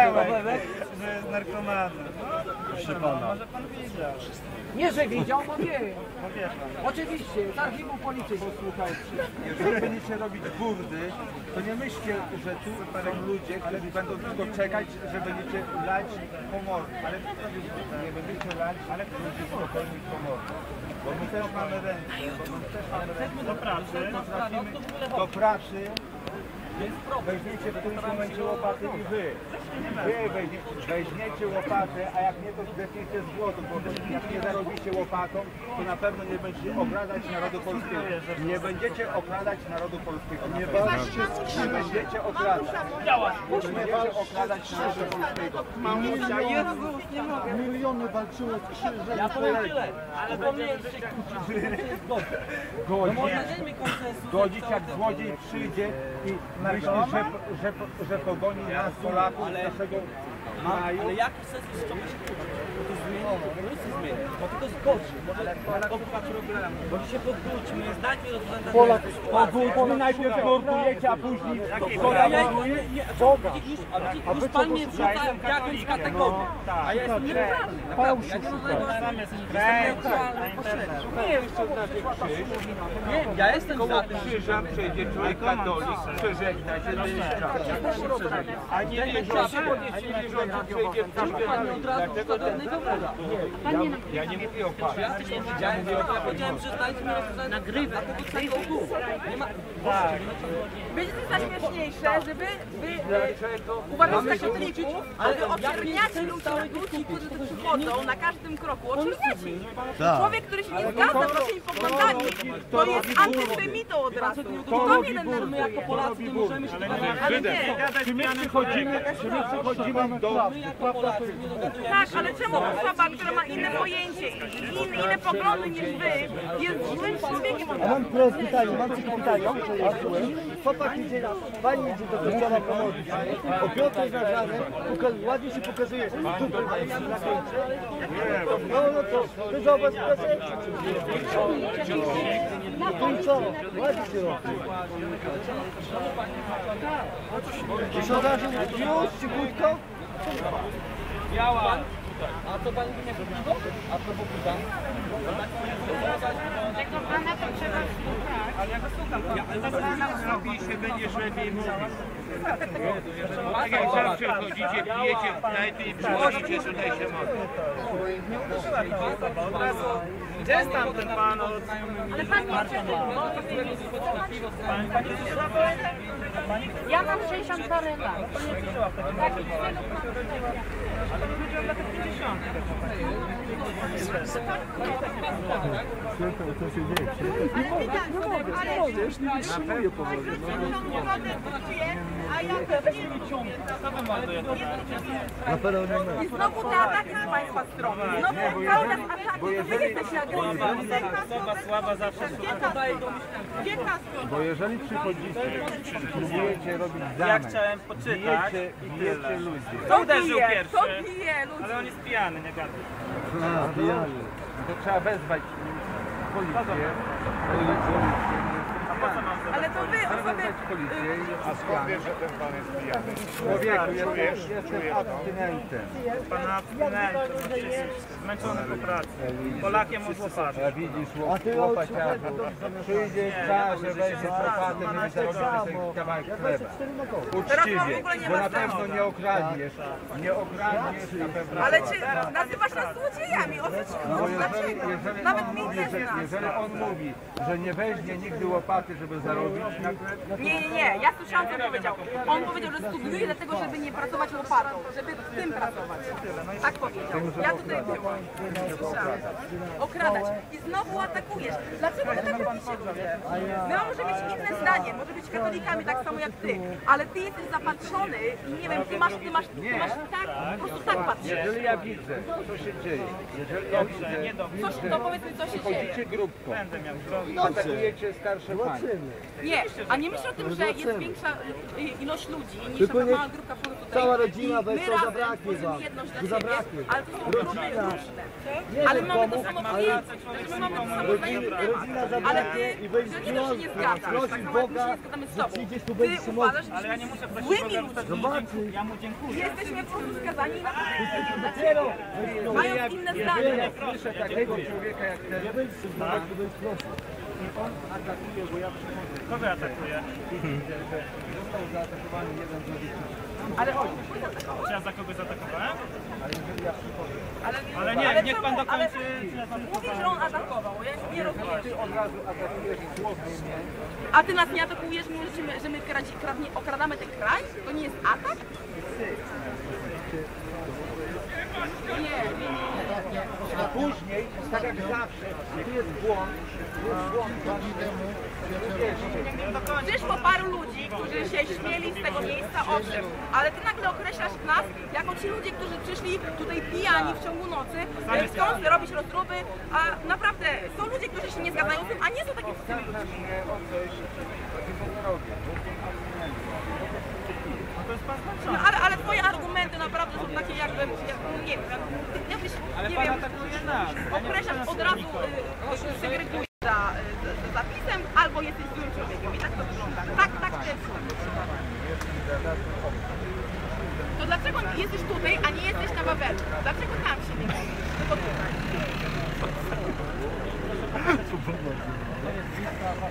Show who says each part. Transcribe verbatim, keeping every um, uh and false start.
Speaker 1: Pawełek, że jest narkomanem. Proszę pana. Może pan widział.
Speaker 2: Nie, że widział, bo wie.
Speaker 1: No wie pan.
Speaker 2: Oczywiście, z archiwum policji posłuchaj.
Speaker 3: Jeżeli będziecie robić burdy, to nie myślcie, że tu są ludzie, którzy będą tylko czekać, że będziecie lać pomocy. Ale nie będziecie lać, ale będziecie spokojnie pomocy. Bo my też mamy ręce, bo my też mamy ręce.
Speaker 1: Do pracy.
Speaker 3: Potrafimy do pracy. Weźmiecie w którymś momencie łopaty i wy. Wy weźmiecie, weźmiecie łopatę, a jak nie, to zdechniecie z głodu, bo jak nie zarobicie łopatą, to na pewno nie będziecie okradać narodu polskiego. Nie będziecie okradać narodu polskiego. Nie walczcie z krzyżem. Nie będziecie okradać. Nie będziecie okradać narodu polskiego.
Speaker 2: Mamusia, Jezus, nie mogę.
Speaker 4: Miliony walczyło z krzyżem.
Speaker 2: Ja powiem tyle, ale po mnie jest godzin.
Speaker 3: Godzić jak złodziej przyjdzie i myśli, że, że, że pogoni nas Polaków z naszego kraju.
Speaker 5: Ale jaki sens jest czegoś się kłócić? Bo to zmieni, nic nie zmieni, bo tylko zgodzi. Może problemu. Bo się pogódźmy, znajdźmy rozwiązanie.
Speaker 3: Pogódźmy, najpierw nurtujecie, a później
Speaker 5: Już pan mnie wrzuca w jakąś kategorię, a ja jestem neutralny. Ja nie mam najważniejsze.
Speaker 3: nie wiem, co znaczy krzyż.
Speaker 5: Wiem, ja jestem za tym.
Speaker 3: Krzyżem przejdzie człowiek katolik, przeżegna się do a nie wierzący, nie wierzący przejdzie w krzyż. Dlaczego ten? Ja nie mówię o panu.
Speaker 5: Ja też nie widziałem, ja powiedziałem, że znajdźmy rozwiązanie. Dlatego tego ogółu. Nie ma...
Speaker 6: Będzie to zaśmieszniejsze, że wy, wy uważacie katolików, ale wy oczerniacie ludzi na ludzi, którzy tu przychodzą na każdym kroku. Oczerniacie ich. Człowiek, który się nie zgadza z waszymi poglądami, to jest antysemitą od razu. I to mnie denerwuje.
Speaker 5: Jako Polacy nie możemy się dogadać.
Speaker 6: Ale nie.
Speaker 3: Czy my przychodzimy, czy my przychodzimy do...
Speaker 6: Tak, ale czemu osoba, która ma inne pojęcie i inne, inne poglądy niż wy, jest złym człowiekiem od
Speaker 4: A
Speaker 6: razu?
Speaker 4: mam proste pytanie, mam takie pytanie. Chłopak idzie, pani idzie do kościoła pomodlić się. O piątej nad ranem, ładnie się pokazuje. Dupy na końcu. No, no to, to za was prezencie. No i co? Ładnie się robi. I co razu już, cichutko?
Speaker 5: Biała. A co pani nie robiło? A co pokuda?
Speaker 6: Tego pana to trzeba słuchać.
Speaker 1: Ale ja go słucham.
Speaker 3: Robi się będzie lepiej mówić. Tak jak zawsze chodzicie, pijecie knajpy i przychodzicie tutaj się modlić.
Speaker 1: Nie uderzyła ta osoba. Od razu, gdzie jest tam ten pan od...
Speaker 6: Ale pan nie przeżył.
Speaker 1: Pani, pani przyszła po... Pani
Speaker 6: Ja mam sześćdziesiąt parę lat.
Speaker 1: nie przyszła w takim razie. Ale nie chodziło dla tych pięćdziesiąt.
Speaker 4: Co się dzieje?
Speaker 6: Ale widać, ale
Speaker 4: Możesz, nie wytrzymuję powoli.
Speaker 6: a ja
Speaker 4: Na pewno nie ma.
Speaker 6: I znowu te ataki z państwa strony. Znowu cały czas ataki, to wy jesteście agresywni.
Speaker 1: Osoba słaba zawsze
Speaker 3: Bo jeżeli przychodzicie i próbujecie robić
Speaker 1: Ja
Speaker 3: zamek,
Speaker 1: chciałem poczytać
Speaker 3: bijecie,
Speaker 1: i
Speaker 3: bijecie
Speaker 1: tyle.
Speaker 3: ludzi.
Speaker 1: Kto uderzył
Speaker 6: Kto
Speaker 1: pierwszy?
Speaker 6: bije ludzi?
Speaker 1: Ale on jest pijany, nie gada.
Speaker 4: A, pijany.
Speaker 3: To trzeba wezwać policję. Policję.
Speaker 1: A po co mam zadać?
Speaker 6: Ale to wy
Speaker 3: Trzeba
Speaker 6: osoby...
Speaker 3: wezwać policję i
Speaker 7: A skąd wiesz, że ten pan jest pijany?
Speaker 3: człowieku,
Speaker 7: Czujesz?
Speaker 3: jestem, jestem abstynentem.
Speaker 1: Pana abstynenty, zmęczony po pracy. Polakiem od łopatą.
Speaker 3: A widzisz, łop, łopaciarzu, przyjdzie czas, że weźmie łopatę, żeby zarobić sobie kawałek chleba. Uczciwie, bo na pewno nie okradniesz. Nie okradniesz na pewno.
Speaker 6: Ale czy nazywasz nas złodziejami? O co ci
Speaker 3: Bo
Speaker 6: chodzi?
Speaker 3: jeżeli,
Speaker 6: Dlaczego?
Speaker 3: jeżeli
Speaker 6: Nawet
Speaker 3: on
Speaker 6: mi
Speaker 3: mówi,
Speaker 6: też
Speaker 3: że,
Speaker 6: nas.
Speaker 3: jeżeli on mówi, że nie weźmie nigdy łopaty, żeby zarobić na chleb,
Speaker 6: Nie, nie, nie. Ja słyszałam, co on powiedział. On powiedział, że studiuje dlatego, żeby nie pracować łopatą, żeby w tym pracować. Tak powiedział. Ja tutaj byłam. Słyszałam. Okradać. I znowu atakujesz. Dlaczego wy tak robicie ludzie? My możemy mieć inne zdanie, może być katolikami tak samo jak ty, ale ty jesteś zapatrzony i nie wiem, ty masz, ty masz, ty masz tak, po prostu tak patrzysz.
Speaker 3: jeżeli ja widzę, co się dzieje, jeżeli ja widzę,
Speaker 6: Coś, to powiedz mi, co się dzieje.
Speaker 3: chodzicie grupką,
Speaker 1: Będę miał
Speaker 3: atakujecie starsze panie,
Speaker 4: zobaczymy.
Speaker 6: Nie, a nie myśl o tym, że jest większa y, ilość ludzi niż
Speaker 4: Tylko
Speaker 6: taka
Speaker 4: nie-
Speaker 6: mała grupka po prostu tutaj.
Speaker 4: cała rodzina
Speaker 6: I
Speaker 4: weź,
Speaker 6: my
Speaker 4: to
Speaker 6: razem
Speaker 4: zabraknie
Speaker 6: tworzymy
Speaker 4: wam.
Speaker 6: jedność dla
Speaker 4: Tu
Speaker 6: siebie,
Speaker 4: zabraknie.
Speaker 6: ale to są grupy
Speaker 4: Rodzina.
Speaker 6: różne.
Speaker 4: Nie
Speaker 6: Ale
Speaker 4: wiem
Speaker 6: mamy
Speaker 4: komu,
Speaker 6: to samo
Speaker 4: ale
Speaker 6: pojęcie, że my mamy to samo
Speaker 4: rodzina,
Speaker 6: zdanie.
Speaker 4: rodzina
Speaker 6: Ale
Speaker 4: zabraknie
Speaker 6: ty,
Speaker 4: i będzie
Speaker 6: że nie to się nie zgadzasz, tak
Speaker 4: prosić
Speaker 6: samo jak my
Speaker 4: Boga,
Speaker 6: się nie zgadzamy z
Speaker 4: że
Speaker 6: tobą.
Speaker 4: przyjdziesz tu,
Speaker 6: Ty
Speaker 4: będziesz się
Speaker 6: uważasz,
Speaker 4: modlić.
Speaker 6: że
Speaker 1: Ja nie muszę prosić
Speaker 6: złymi
Speaker 1: Boga, wtedy
Speaker 6: ludźmi.
Speaker 1: mu dziękuję. Ja mu dziękuję.
Speaker 6: Jesteśmy po prostu skazani na
Speaker 4: Dopiero
Speaker 6: mają inne zdanie.
Speaker 3: Słyszę takiego człowieka jak ten,
Speaker 4: nie będziesz się modlić, to będziesz prosił.
Speaker 3: i on atakuje, bo ja przychodzę.
Speaker 1: Kogo atakuje?
Speaker 3: Widzę, że został zaatakowany jeden z rodziców.
Speaker 6: Ale chodź.
Speaker 1: Czy ja za kogoś zaatakowałem?
Speaker 3: Ale jeżeli ja przychodzę,
Speaker 6: Ale,
Speaker 1: Ale nie, niech pan
Speaker 6: czemu? Ale
Speaker 1: dokończy. czy ja tam-
Speaker 6: mówisz, że on atakował, ja nie rozumiem.
Speaker 3: ty od razu atakujesz słownie mnie,
Speaker 6: A ty nas nie atakujesz, mimo że my, że my kradzi, kradnie, okradamy ten kraj? To nie jest atak? Nie, nie, nie.
Speaker 3: a później, tak jak zawsze, tu jest błąd, tu jest błąd,
Speaker 6: Przyszło paru ludzi, którzy się śmieli z tego miejsca, owszem, ale ty nagle określasz nas jako ci ludzie, którzy przyszli tutaj pijani w ciągu nocy, chcą robić rozruby, a naprawdę są ludzie, którzy się nie zgadzają z tym, a nie są takie
Speaker 3: Pytasz mnie o coś, takiego nie robię.
Speaker 6: No, ale, ale twoje argumenty naprawdę są takie jakby, jak, nie wiem, jak- jakbyś, nie wiem, określasz od razu, y, segregujesz za, y, za zapisem, albo jesteś złym człowiekiem i tak to wygląda. Tak, tak też. To dlaczego jesteś tutaj, a nie jesteś na Wawelu? Dlaczego tam się nie możesz? Tylko tutaj.